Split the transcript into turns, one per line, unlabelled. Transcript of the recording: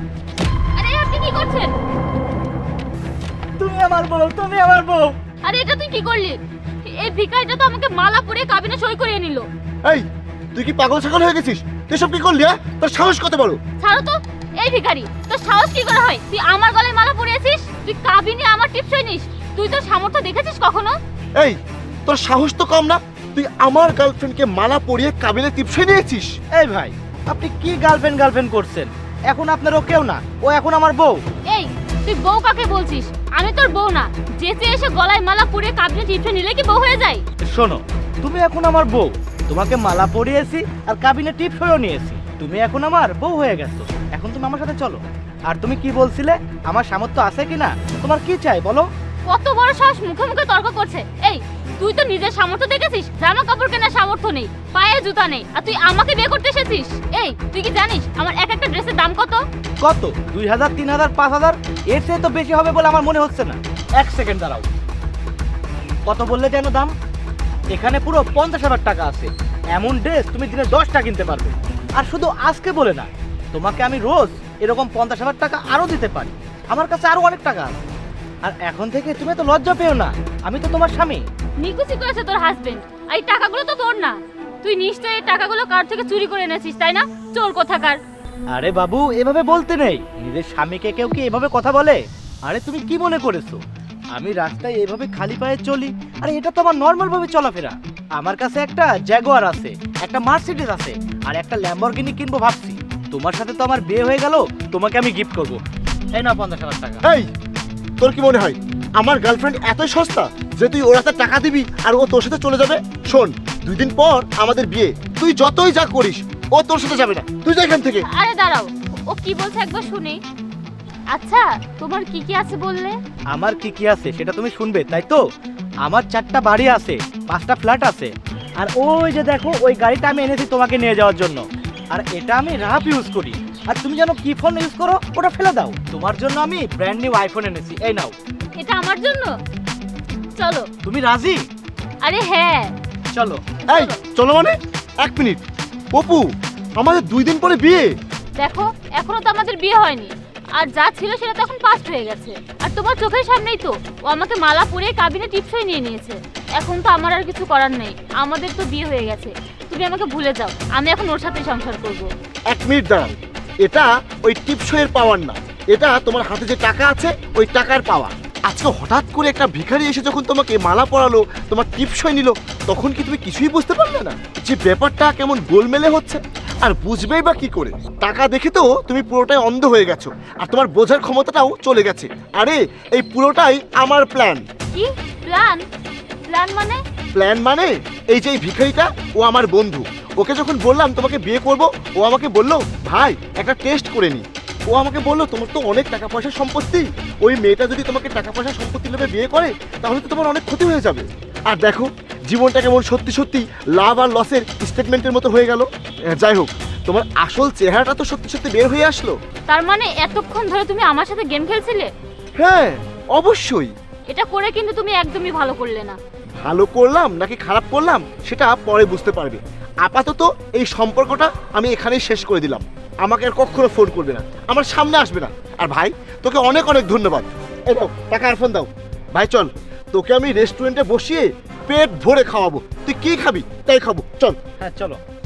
আরে আপনি কি করছেন?
তুমি আমার বউ, তুমি আমার বউ।
আরে এটা তুই কি করলি? এই ভিখারিটা তো আমাকে মালা পরিয়ে কাবিনে সই করিয়ে নিল।
এই তুই কি পাগল ছাগল হয়ে গেছিস? তুই সব কি করলি? তোর সাহস কত বড়?
ছাড়ো তো। এই ভিখারি, তোর সাহস কি করে হয়? তুই আমার গলায় মালা পরিয়েছিস, তুই কাবিনে আমার টিপসই নিস। তুই তোর সামর্থ্য দেখেছিস কখনো?
এই তোর সাহস তো কম না? তুই আমার গার্লফ্রেন্ডকে মালা পরিয়ে কাবিনে টিপসই নিয়েছিস?
এই ভাই, আপনি কি গার্লফ্রেন্ড করছেন? এখন আপনার ও কেউ না, ও এখন আমার বউ।
এই তুই বউ কাকে বলছিস? আমি তোর বউ না। যেচে এসে গলায় মালা পরিয়ে কাবিনে টিপসই নিলে কি বউ হয়ে যায়?
শোনো, তুমি এখন আমার বউ। তোমাকে মালা পরিয়েছি আর কাবিনে টিপস হয়েও নিয়েছি। তুমি এখন আমার বউ হয়ে গেছো। এখন তুমি আমার সাথে চলো। আর তুমি কি বলছিলে, আমার সামর্থ্য আছে কিনা? তোমার কি চাই বলো?
কত বড় সাহস, মুখে মুখে তর্ক করছে। এই তুই তো নিজের সামর্থ্য দেখেছিস? জামা কাপড় কেনার সামর্থ্য নেই, পায়ে জুতা নেই, আর তুই আমাকে বিয়ে করতে এসেছিস? এই তুই কি জানিস আমার এক একটা ড্রেসের দাম কত?
কত? 2000, 3000, 5000? এর চেয়ে তো বেশি হবে বলে আমার মনে হচ্ছে না। এক সেকেন্ড দাঁড়াও। কত বললে যেন দাম? এখানে পুরো 50,000 টাকা আছে। এমন ড্রেস তুমি দিনে 10টা কিনতে পারবে। আর শুধু আজকে বলে না, তোমাকে আমি রোজ এরকম 50,000 টাকা আরো দিতে পারি। আমার কাছে আরো অনেক টাকা আছে। আর এখন থেকে তুমি তো লজ্জা পেও না, আমি তো তোমার স্বামী।
নিকুচি করেছে তোর হাজবেন্ড। এই টাকাগুলো তো তোর না। তুই নিশ্চয়ই এই টাকাগুলো কার থেকে চুরি করে এনেছিস, তাই না? চোর কোথাকার।
আরে বাবু, এভাবে বলতে নেই। নিজের স্বামীকে কেউ কি এভাবে কথা বলে? আরে তুমি কি মনে করেছো আমি রাস্তায় এভাবে খালি পায়ে চলি? আরে এটা তো আমার নর্মাল ভাবে চলাফেরা। আমার কাছে একটা জ্যাগুয়ার আছে, একটা মার্সিডিজ আছে, আর একটা ল্যাম্বরগিনি কিনবো ভাবছি। তোমার সাথে তো আমার বিয়ে হয়ে গেল, তোমাকে আমি গিফট করবো। এই না 50,000 টাকা।
এই তোর কি মনে হয় আমার গার্লফ্রেন্ড এতই সস্তা যে তুই ওর হাতে টাকা দিবি আর ও তোর সাথে চলে যাবে? শোন, 2 দিন পর আমাদের বিয়ে। তুই যতই যা করিস ও তোর সাথে যাবে না। তুই যা এখান থেকে।
আরে দাঁড়াও, ও কি বলছে একবার শুনি। আচ্ছা, তোমার কি কি আছে বললে?
আমার কি কি আছে সেটা তুমি শুনবে, তাই তো? আমার 4টা বাড়ি আছে, 5টা ফ্ল্যাট আছে। আর ওই যে দেখো, ওই গাড়িটা আমি এনেছি তোমাকে নিয়ে যাওয়ার জন্য। আর এটা আমি রাফ ইউজ করি। আর তুমি জানো কি ফোন ইউজ করো? ওটা ফেলে দাও। তোমার জন্য আমি ব্র্যান্ড নিউ আইফোন এনেছি, এই নাও।
এটা আমার জন্য? চলো।
তুমি রাজি?
আরে হ্যাঁ,
চলো।
এই চলো মানে? 1 মিনিট। অপু, আমাদের 2 দিন পরে বিয়ে।
দেখো এখনো তো আমাদের বিয়ে হয়নি, আর যা ছিল সেটা তো এখন পাস্ট হয়ে গেছে। আর তোমার চোখের সামনেই তো ও আমাকে মালা পরিয়ে কাবিনে টিপসই নিয়ে নিয়েছে। এখন তো আমার আর কিছু করার নেই, আমাদের তো বিয়ে হয়ে গেছে। তুমি আমাকে ভুলে যাও, আমি এখন ওর সাথে সংসার করব।
1 মিনিট দাঁড়ান। এটা ওই টিপসইয়ের পাওয়ার না, এটা তোমার হাতে যে টাকা আছে ওই টাকার পাওয়া। আজকে হঠাৎ করে একটা ভিখারি এসে যখন তোমাকে মালা পরালো, তোমার টিপসই নিল, তখন কি তুমি কিছুই বুঝতে পারলে না যে ব্যাপারটা কেমন গোলমেলে হচ্ছে? আর বুঝবেই বা কি করে? টাকা দেখে তো তুমি পুরোটাই অন্ধ হয়ে গেছো, আর তোমার বোঝার ক্ষমতাটাও চলে গেছে। আরে এই পুরোটাই আমার প্ল্যান।
কি প্ল্যান? প্ল্যান মানে?
প্ল্যান মানে এই যে এই ভিখারিটা, ও আমার বন্ধু। ওকে যখন বললাম তোমাকে বিয়ে করব, ও আমাকে বললো ভাই একটা টেস্ট করে নি। ও আমাকে বললো তোমার তো অনেক টাকা পয়সার সম্পত্তি, ওই মেয়েটা যদি তোমাকে টাকা পয়সার সম্পত্তি লোভে বিয়ে করে তাহলে তো তোমার অনেক ক্ষতি হয়ে যাবে। আর দেখো জীবনটা কেমন সত্যি সত্যি লাভ আর লসের স্টেটমেন্টের মতো হয়ে গেল। যাই হোক, তোমার আসল চেহারাটা তো সত্যি সত্যি বের হয়ে আসলো।
তার মানে এতক্ষণ ধরে তুমি আমার সাথে গেম খেলছিলে?
হ্যাঁ অবশ্যই।
এটা করে কিন্তু তুমি একদমই ভালো করলে না।
ভালো করলাম নাকি খারাপ করলাম সেটা পরে বুঝতে পারবে। আপাতত এই সম্পর্কটা আমি এখানেই শেষ করে দিলাম। আমাকে আর কখনো ফোন করবে না, আমার সামনে আসবে না। আর ভাই তোকে অনেক অনেক ধন্যবাদ। এই দাও টাকা আর ফোন দাও। ভাই চল, তোকে আমি রেস্টুরেন্টে বসিয়ে পেট ভরে খাওয়াবো। তুই কি খাবি তাই খাবো, চল।
হ্যাঁ চলো।